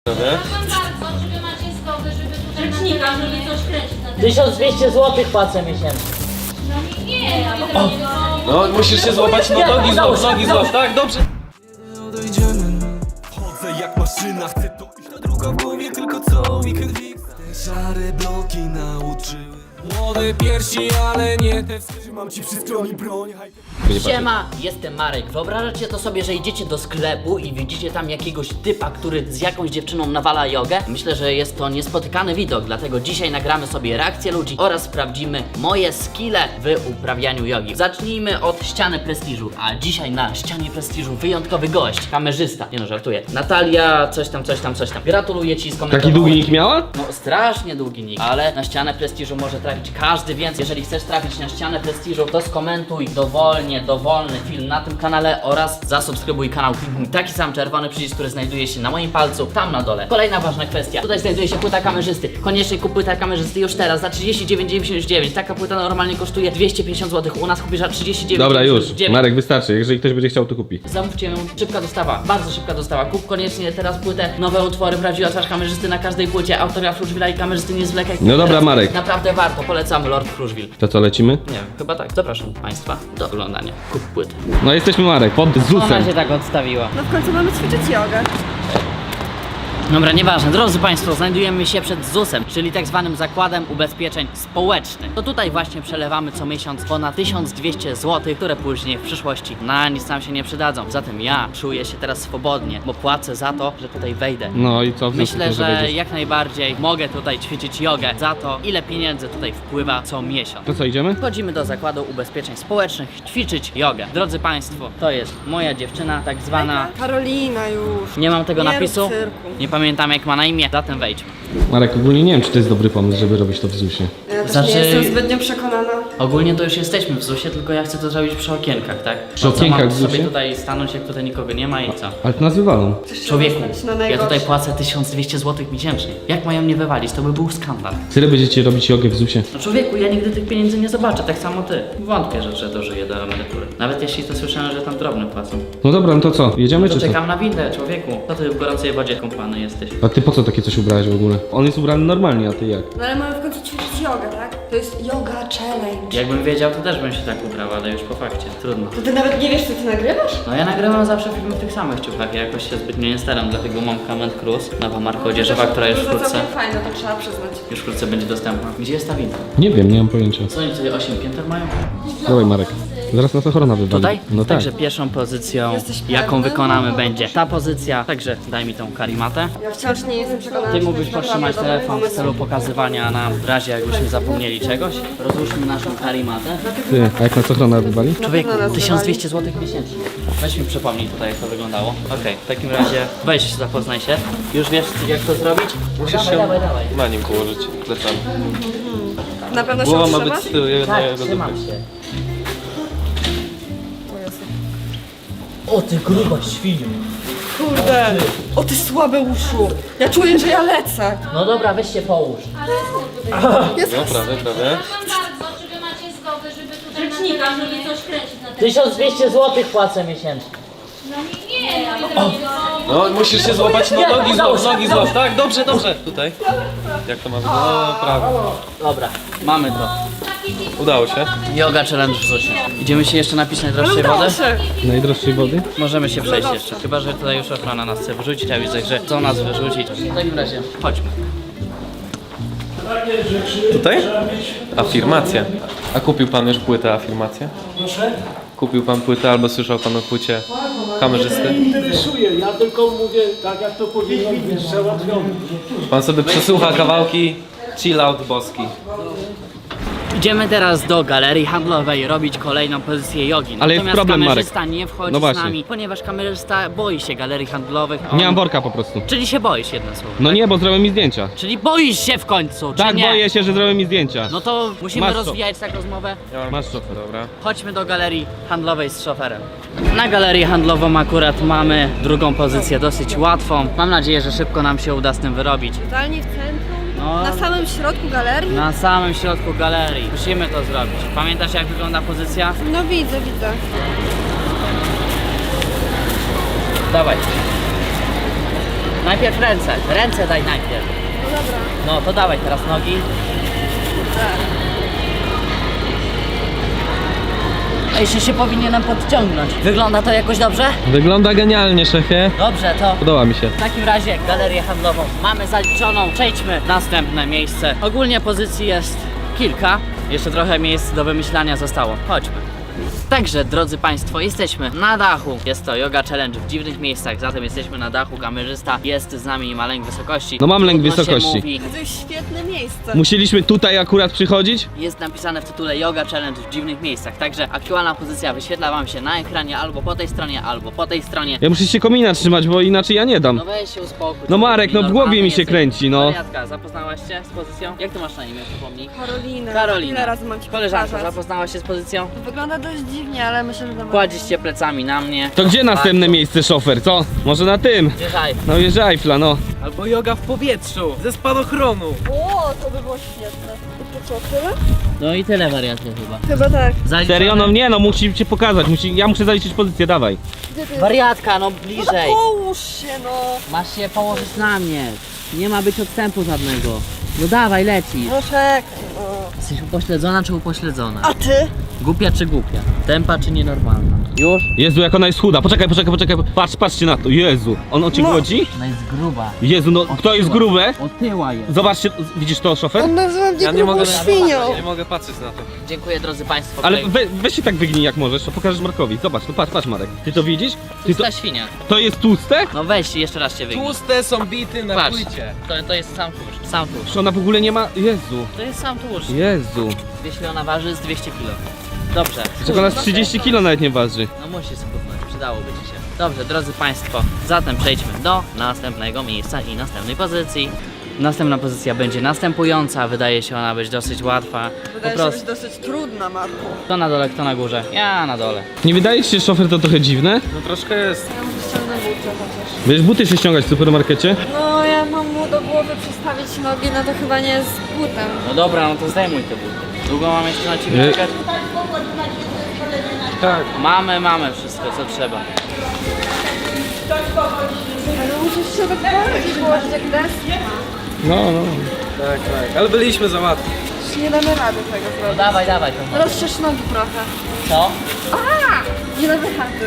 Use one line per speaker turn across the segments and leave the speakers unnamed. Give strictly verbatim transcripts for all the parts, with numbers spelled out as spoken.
Rzecznika, żeby coś kręcić na ten.
tysiąc dwieście złotych płacę miesięcznie.
No nie, nie, ale to nie
No, musisz się złapać, no nogi złap, nogi złap, tak? Dobrze.
Chodzę jak maszyna, chcę to iść na druga w głowie, tylko co weekend fix. Te szare bloki nauczyły młode piersi, ale nie te. Trzymam ci przy stronie broń.
Siema, jestem Marek. Wyobrażacie to sobie, że idziecie do sklepu i widzicie tam jakiegoś typa, który z jakąś dziewczyną nawala jogę? Myślę, że jest to niespotykany widok, dlatego dzisiaj nagramy sobie reakcję ludzi oraz sprawdzimy moje skille w uprawianiu jogi. Zacznijmy od ściany prestiżu, a dzisiaj na ścianie prestiżu wyjątkowy gość, kamerzysta. Nie no, żartuję. Natalia, coś tam, coś tam, coś tam. Gratuluję ci, skomentowałem.
Taki długi nick miała?
No strasznie długi nick, ale na ścianę prestiżu może trafić każdy, więc jeżeli chcesz trafić na ścianę prestiżu, to skomentuj dowolnie, dowolny film na tym kanale oraz zasubskrybuj kanał. Kliknij taki sam czerwony przycisk, który znajduje się na moim palcu, tam na dole. Kolejna ważna kwestia, tutaj znajduje się płyta kamerzysty. Koniecznie kup płytę kamerzysty już teraz za trzydzieści dziewięć dziewięćdziesiąt dziewięć. Taka płyta normalnie kosztuje dwieście pięćdziesiąt złotych, u nas kupisz za trzydzieści dziewięć
Dobra, już.
dziewięćdziesiąt dziewięć.
Marek, wystarczy. Jeżeli ktoś będzie chciał, to kupi.
Zamówcie ją, szybka dostawa, bardzo szybka dostawa. Kup koniecznie teraz płytę, nowe utwory, prawdziwa twarz kamerzysty na każdej płycie, autograf Kruszwila i kamerzysty nie zwlekaj.
No dobra,
Teraz
Marek.
Naprawdę warto, polecamy Lord Kruszwil.
To co, lecimy?
Nie wiem, chyba tak. Zapraszam Państwa do oglądania. Kup płyty.
No jesteśmy, Marek, pod zusem.
tak odstawiła.
No w końcu mamy ćwiczyć jogę.
Dobra, nieważne. Drodzy Państwo, znajdujemy się przed zusem, czyli tak zwanym Zakładem Ubezpieczeń Społecznych. To tutaj właśnie przelewamy co miesiąc ponad tysiąc dwieście złotych, które później w przyszłości na nic nam się nie przydadzą. Zatem ja czuję się teraz swobodnie, bo płacę za to, że tutaj wejdę.
No i co? w związku z
Myślę,
tym,
że
wejdziesz?
jak najbardziej mogę tutaj ćwiczyć jogę za to, ile pieniędzy tutaj wpływa co miesiąc.
To co, idziemy?
Wchodzimy do Zakładu Ubezpieczeń Społecznych ćwiczyć jogę. Drodzy Państwo, to jest moja dziewczyna, tak zwana.
Karolina już.
Nie mam tego
Nie
napisu,
rób cyrku.
nie pamiętam jak ma na imię, zatem wejdźmy.
Marek, ogólnie nie wiem, czy to jest dobry pomysł, żeby robić to w zusie.
Ja też
Znaczy-
nie jestem zbytnio przekonana.
Ogólnie to już jesteśmy w zusie, tylko ja chcę to zrobić przy okienkach, tak?
Przy
No co,
okienkach
mam
w
sobie
zusie?
tutaj stanąć, jak tutaj nikogo nie ma i co?
Ale to nas wywalą.
Człowieku,
Zostać na
ja
najgorsze.
tutaj płacę tysiąc dwieście złotych miesięcznie. Jak mają mnie wywalić? To by był skandal.
Tyle będziecie robić jogę w zusie.
No człowieku, ja nigdy tych pieniędzy nie zobaczę, tak samo ty. Wątpię, że, że dożyję do emerytury. Nawet jeśli to słyszałem, że tam drobny płacą.
No dobra, no to co? Jedziemy
To
czy co?
czekam na windę, człowieku. Co ty w gorącej wodzie kąpany jesteś?
A ty po co takie coś ubrałeś w ogóle? On jest ubrany normalnie, a ty jak?
No ale mamy w końcu ćwiczyć jogę, tak? To jest yoga challenge.
Jakbym wiedział, to też bym się tak ubrał, ale już po fakcie. Trudno.
To ty nawet nie wiesz, co ty nagrywasz?
No ja nagrywam zawsze filmy w tych samych ciuchach, ja jakoś się zbytnio nie staram, dlatego mam Comment Cruise, nowa marka odzieżowa, która już
To
wkrótce,
całkiem fajne, to trzeba przyznać.
już wkrótce będzie dostępna. Gdzie jest ta winda?
Nie wiem, nie mam pojęcia.
Co oni tutaj osiem pięter mają?
Dawaj, Marek. Zaraz nas ochrona wywali.
Tutaj?
No tak.
Także pierwszą pozycją,
Jesteś
jaką
pewny?
wykonamy, będzie ta pozycja. Także daj mi tą karimatę.
Ja wciąż nie jestem przekonana.
Ty
czy to
mógłbyś
jest
podtrzymać
naprawdę dobry
telefon w
pomysł.
celu pokazywania nam w razie jakbyśmy zapomnieli czegoś. Rozłóżmy naszą karimatę.
Ty, a jak nas ochrona wywali?
Człowieku,
pewno nas
tysiąc dwieście
wywali.
złotych miesięcznie. Weź mi przypomnij tutaj, jak to wyglądało. Okej, w takim razie weź się, zapoznaj się. Już wiesz, jak to zrobić?
Musisz
dawaj,
się
dawaj, dawaj.
na nim położyć plecami.
Na pewno się
Głowa ma być
utrzymasz?
z tyłu, jedna
Tak,
jego
trzymam
dupy.
się. O ty gruba świniu.
Kurde. O ty słabe uszu. Ja czuję, że ja lecę.
No dobra, weź się połóż.
No prawie, prawie.
bardzo, czy wy macie zgodę, żeby tutaj rzecznika, żeby coś kręcić na ten.
tysiąc dwieście złotych płacę miesięcznie.
No nie, nie, ale to nie
No, musisz się złapać, no
Nie,
nogi
udało
złap,
się,
nogi
udało
złap, tak? Dobrze, dobrze. Tutaj. Jak to ma być? No, prawie.
Dobra, mamy to.
Udało się.
Yoga challenge w zusie. Idziemy się jeszcze napić najdroższej
Udało
wody?
się.
Najdroższej wody?
Możemy się przejść jeszcze. Chyba, że tutaj już ochrona nas chce wyrzucić, a widzę, że chcą nas wyrzucić. W takim razie chodźmy.
Tutaj? Afirmacja. A kupił pan już płytę afirmację?
Proszę?
Kupił pan płytę albo słyszał pan o płycie kamerzysty?
Nie interesuje, ja tylko mówię tak jak to powinno być załatwione.
Pan sobie przesłucha kawałki chill out boski.
Idziemy teraz do galerii handlowej robić kolejną pozycję jogi.
Ale jest
Natomiast
problem, Marek.
kamerzysta nie wchodzi
No
z
właśnie.
nami, ponieważ kamerzysta boi się galerii handlowych. On...
Nie mam worka po prostu.
Czyli się boisz, jedno słowo.
No nie, bo zrobią mi zdjęcia.
Czyli boisz się w końcu,
Tak,
czy nie?
boję się, że zrobią mi zdjęcia.
No to musimy
Masz co?
rozwijać tak rozmowę.
Masz szofer.
Dobra.
Chodźmy do galerii handlowej z szoferem. Na galerii handlową akurat mamy drugą pozycję dosyć łatwą. Mam nadzieję, że szybko nam się uda z tym wyrobić.
Totalnie w centrum.
No,
Na samym środku galerii?
na samym środku galerii. Musimy to zrobić. Pamiętasz, jak wygląda pozycja?
No widzę, widzę.
Dawaj. Najpierw ręce, ręce daj najpierw.
No dobra.
No to dawaj teraz nogi. A jeszcze się powinienem podciągnąć. Wygląda to jakoś dobrze?
Wygląda genialnie, szefie.
Dobrze, to
Podoba mi się.
w takim razie galerię handlową mamy zaliczoną. Przejdźmy w następne miejsce. Ogólnie pozycji jest kilka. Jeszcze trochę miejsc do wymyślania zostało. Chodźmy. Także, drodzy Państwo, jesteśmy na dachu. Jest to Yoga Challenge w dziwnych miejscach, zatem jesteśmy na dachu. Kamerzysta jest z nami i ma lęk wysokości.
No mam lęk
Trudno się
wysokości.
mówi.
To jest świetne miejsce.
Musieliśmy tutaj akurat przychodzić?
Jest napisane w tytule Yoga Challenge w dziwnych miejscach. Także aktualna pozycja wyświetla Wam się na ekranie albo po tej stronie, albo po tej stronie.
Ja muszę się komina trzymać, bo inaczej ja nie dam.
No weź się uspokój.
No Marek, no w
Normalny
głowie mi się
jesteś.
kręci, no.
Wariatka, zapoznałaś się z pozycją? Jak ty masz na imię, przypomnij?
Karolina.
Karolina.
Ile razy mam ci
Koleżanko,
powtarzać?
zapoznałaś się z pozycją?
Wygląda dość dziwnie, ale myślę, że dam
Kładziesz się plecami na mnie.
To gdzie następne miejsce, szofer, co? Może na tym?
Wjeżdżaj.
No wieży Eiffla, no.
Albo yoga w powietrzu, ze spadochronu.
O, to by było świetne. To co, tyle?
No i tyle wariatki chyba.
Chyba tak.
Zaliczone?
Serio? No nie, no musi cię pokazać, musi, ja muszę zaliczyć pozycję, dawaj.
Gdzie ty jest?
Wariatka, no bliżej.
Połóż się, no.
Masz się położyć na mnie. Nie ma być odstępu żadnego. No dawaj, leci.
No czekaj, no.
Jesteś upośledzona czy upośledzona?
A ty?
Głupia czy głupia? Tempa czy nienormalna? Już?
Jezu, jak ona jest chuda. Poczekaj, poczekaj, poczekaj. Patrz, patrzcie na to. Jezu. On o cię
No.
głodzi?
Ona jest gruba.
Jezu, no kto jest grube?
Otyła jest.
Zobaczcie, widzisz to, szofer?
On nazywa mnie
Ja nie mogę,
grubą świnią.
nie mogę patrzeć na to.
Dziękuję, drodzy Państwo.
Ale
Tutaj
we, weź się tak wygnij jak możesz, to pokażesz Markowi. Zobacz, no patrz, patrz Marek. Ty to widzisz? Ty to,
Tłusta świnia.
to jest tłuste?
No weź jeszcze raz się wygnij.
Tłuste są bity na
Patrz.
płycie.
To, to jest sam tłuszcz. Sam tłuszcz.
Czy ona w ogóle nie ma... Jezu.
To jest sam tłuszcz.
Jezu.
Jeśli ona waży z dwieście kilo. Dobrze.
Czego ona z trzydzieści kilo nawet nie waży.
No musi schudnąć, przydałoby ci się. Dobrze, drodzy Państwo, zatem przejdźmy do następnego miejsca i następnej pozycji. Następna pozycja będzie następująca, wydaje się ona być dosyć łatwa. Po
Wydaje się być
prostu,
dosyć trudna, Marku.
kto na dole, kto na górze? Ja na dole.
Nie wydaje ci się, szofer, to trochę dziwne?
No troszkę jest.
Ja muszę ściągnąć buty chociaż.
Wiesz, buty się ściągać w supermarkecie?
No, ja mam mu do głowy przestawić nogi, no to chyba nie z butem.
No dobra, no to zdejmuj te buty. Długo mam jeszcze na Ciebie
Nie.
czekać?
Tak.
Mamy, mamy wszystko, co trzeba.
Ale musisz się tak bardziej położyć jak deski.
No, no.
Tak, tak. Ale byliśmy za łatwi.
Już nie damy rady tego
No
zrobić.
dawaj, dawaj to.
Rozszerz nogi trochę.
Co?
Nie damy rady.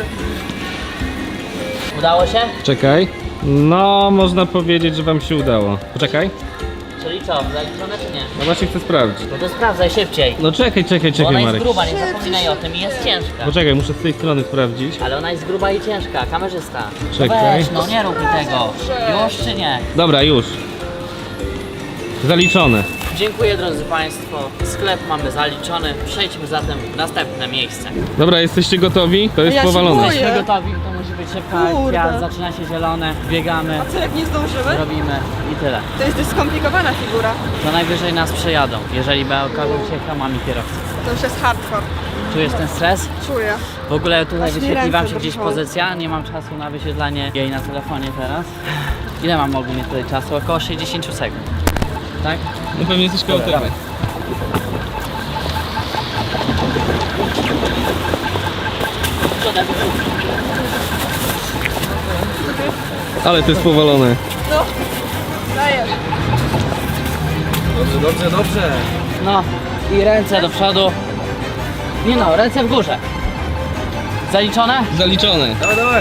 Udało się?
Czekaj. No, można powiedzieć, że wam się udało. Poczekaj.
Czyli co, zaliczone czy nie?
No właśnie chcę sprawdzić.
No to sprawdzaj szybciej.
No czekaj, czekaj,
Bo
czekaj,
ona jest
Marek.
gruba, nie zapominaj o tym i jest ciężka.
Poczekaj, muszę z tej strony sprawdzić.
Ale ona jest gruba i ciężka, kamerzysta. No
Czekaj.
weź, no nie rób mi tego. Już czy nie?
Dobra, już. Zaliczone.
Dziękuję, drodzy Państwo. Sklep mamy zaliczony. Przejdźmy zatem w następne miejsce.
Dobra, jesteście gotowi? To jest
Ja się
powalone.
boję.
Jesteśmy gotowi, to musi być szybka
Kurde.
akcja. Zaczyna się zielone, biegamy,
A co jak nie zdążymy?
robimy i tyle.
To jest dość skomplikowana figura.
To najwyżej nas przejadą, jeżeli by okażą się hamami kierowcy.
To już jest hardcore.
Czujesz ten stres?
Czuję.
W ogóle tutaj
Aż mi
wyświetli Wam
ręce
się gdzieś
drżą.
pozycja. Nie mam czasu na wyświetlanie jej na telefonie teraz. Ile mam ogólnie tutaj czasu? Około sześćdziesiąt sekund. Tak?
No pewnie jesteś koło tego. Ale to jest powalone.
No. Dajesz.
Dobrze, dobrze, dobrze.
No i ręce do przodu. Nie no, ręce w górze. Zaliczone?
Zaliczone.
Dawaj, dawaj.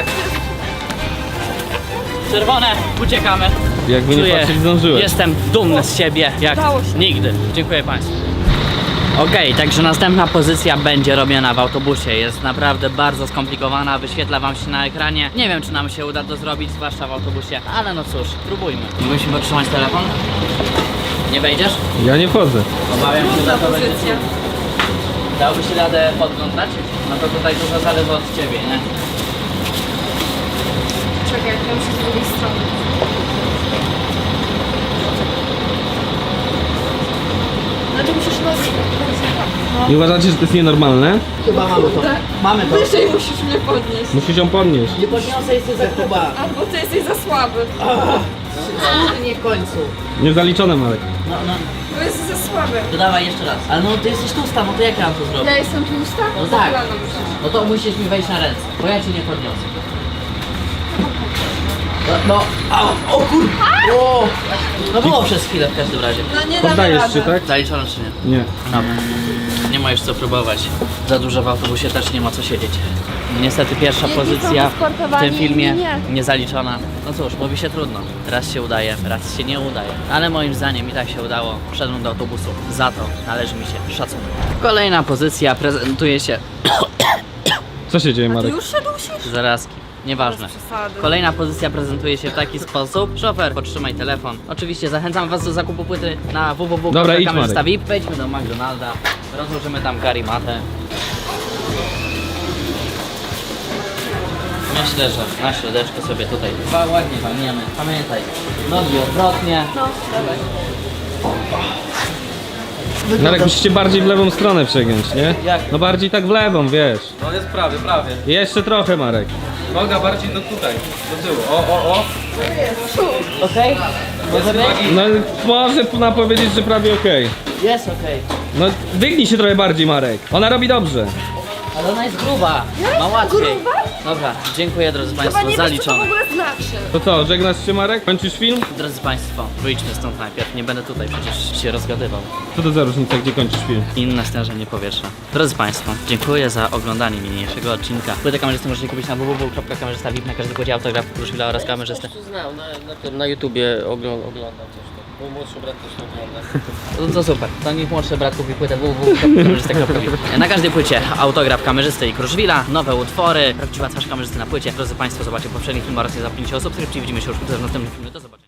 Czerwone, uciekamy.
Jakby nie
Czuję,
patrzeć, zdążyłeś.
jestem dumny z siebie jak
Udało się.
nigdy. Dziękuję Państwu. Okej, także następna pozycja będzie robiona w autobusie. Jest naprawdę bardzo skomplikowana, wyświetla Wam się na ekranie. Nie wiem, czy nam się uda to zrobić, zwłaszcza w autobusie, ale no cóż, spróbujmy. Musimy podtrzymać telefon? Nie wejdziesz?
Ja nie wchodzę.
Obawiam się, że to będzie...
Pozycja.
Dałoby się radę podglądać? No to tutaj dużo zależy od Ciebie, nie?
Czekaj, ja muszę z drugiej strony. No to musisz nogi.
Nie uważacie, że to jest nienormalne?
Chyba mamy to. Mamy to.
Wyżej musisz mnie podnieść.
Musisz ją podnieść.
Nie podniosę, jesteś za gruba.
Albo ty jesteś za słaby.
Nie w końcu.
Nie zaliczone, Marek.
No, no,
Bo jest za słaby.
to dawaj jeszcze raz. Ale no ty jesteś tłusta, no to jak ja mam to zrobić?
Ja jestem tłusta?
No tak.
Kolano musisz.
No to musisz mi wejść na ręce, bo ja cię nie podniosę. No, o, o kur... O, no było przez chwilę w każdym razie.
No nie damy
Poddajesz
rady.
się, tak?
Zaliczone czy nie?
Nie.
Dobra. Nie ma już co próbować. Za dużo w autobusie też nie ma co siedzieć. Niestety pierwsza
Jedni są
pozycja w
wysportowani,
tym filmie
inni nie.
niezaliczona. No cóż, mówi się trudno. Raz się udaje, raz się nie udaje. Ale moim zdaniem i tak się udało. Wszedłem do autobusu. Za to należy mi się szacunek. Kolejna pozycja prezentuje się...
Co się dzieje,
Ty
Marek?
już się dusisz?
Zarazki. Nieważne.
Bez przesady.
Kolejna pozycja prezentuje się w taki sposób. Szofer, podtrzymaj telefon. Oczywiście zachęcam was do zakupu płyty na w w w
Dobra,
kropka
idź,
kamerzysta
Marek.
V I P. Wejdźmy do McDonalda. Rozłożymy tam karimatę. Myślę, że na środeczku sobie tutaj dwa ładnie walniemy. Pamiętaj, nogi odwrotnie.
No, dawaj.
Marek, musicie bardziej w lewą stronę przegiąć, nie?
Jak?
No bardziej tak w lewą, wiesz.
No jest prawie, prawie.
Jeszcze trochę, Marek.
Noga bardziej do tutaj, do tyłu. O, o, o.
Okej? Może być?
No może na powiedzieć, że prawie okej.
Jest okej.
No wygnij się trochę bardziej, Marek. Ona robi dobrze.
Ale ona jest gruba. Ma łatwiej. Dobra, dziękuję drodzy
Chyba
Państwo,
nie wiesz, co to w
zaliczone.
ogóle znaczy.
To co, żegnasz się, Marek? Kończysz film?
Drodzy Państwo, wyjdźmy stąd najpierw. Nie będę tutaj przecież się rozgadywał.
Co to za różnica, gdzie kończysz film?
Inne stężenie powietrza. Drodzy Państwo, dziękuję za oglądanie niniejszego odcinka. Płytę kamerzysty możecie kupić na w w w kropka kamerzysta V I P. Na każdy płycie autograf Kruszwila oraz kamerzysty.
Znam, na, na, tym, na YouTubie oglądam, oglądam coś tam. Mój młodszy brat też ogląda.
No to super, to niech młodszy brat kupi płytę w w w kropka kamerzysta kropka v i p. Na każdej płycie autograf kamerzysty i Kruszwila, nowe utwory, prawdziwa twarz kamerzysty na płycie. Drodzy Państwo, zobaczcie poprzedni film oraz nie zapomnijcie o subskrypcji. Widzimy się już wkrótce w następnym filmie. Do zobaczenia.